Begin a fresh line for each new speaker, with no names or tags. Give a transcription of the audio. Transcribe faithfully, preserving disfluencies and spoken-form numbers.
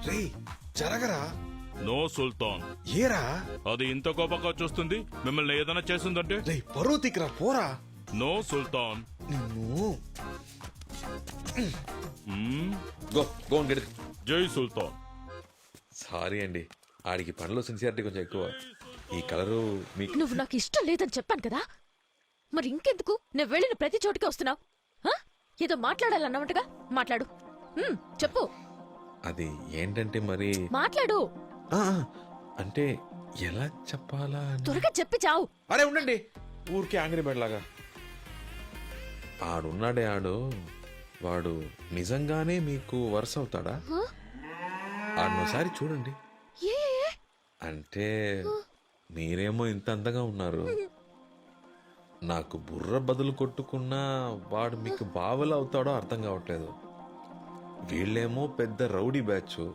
రే జరగరా.
No సుల్తాన్,
ఏరా
అది ఇంత కోపంగా చూస్తుంది. మిమ్మల్ని ఏదైనా చేసిందంటే
రే పరువు తిక్కరా పోరా.
నో సుల్తాన్.
నిన్ను
మ్మ్,
గో గో గెట్.
జై సుల్తాన్.
సారీ అండి, ఆడికి పనిలో సిన్సియారిటీ కొంచెం ఎక్కువ. ఈ కలరు మీకు
నువ్వు నాకు ఇష్టం లేదని చెప్పాను కదా, మరి ఇంకెందుకు నేను వెళ్ళిన ప్రతి చోటుకి వస్తున్నావు? ఏదో మాట్లాడాలన్నమాటగా మాట్లాడు. ఉమ్, చెప్పు.
అది ఏంటంటే మరి
మాట్లాడు.
ఆ, ఆ, అంటే ఎలా చెప్పాలా అని-
త్వరగా చెప్పి చావు.
అరే ఉండండి, ఊరికే ఆంగ్రీ బర్డ్ లాగా. ఆడున్నాడే ఆడు, వాడు నిజంగానే మీకు వరుస అవుతాడా?
హ?
ఆడనోసారి చూడండి.
ఏ
అంటే మీరేమో ఇంత అందంగా ఉన్నారు, నాకు బుర్ర బదులు కొట్టుకున్నా వాడు మీకు బావలా అవుతాడో అర్థం కావట్లేదు. వీళ్ళేమో పెద్ద రౌడీ బ్యాచ్,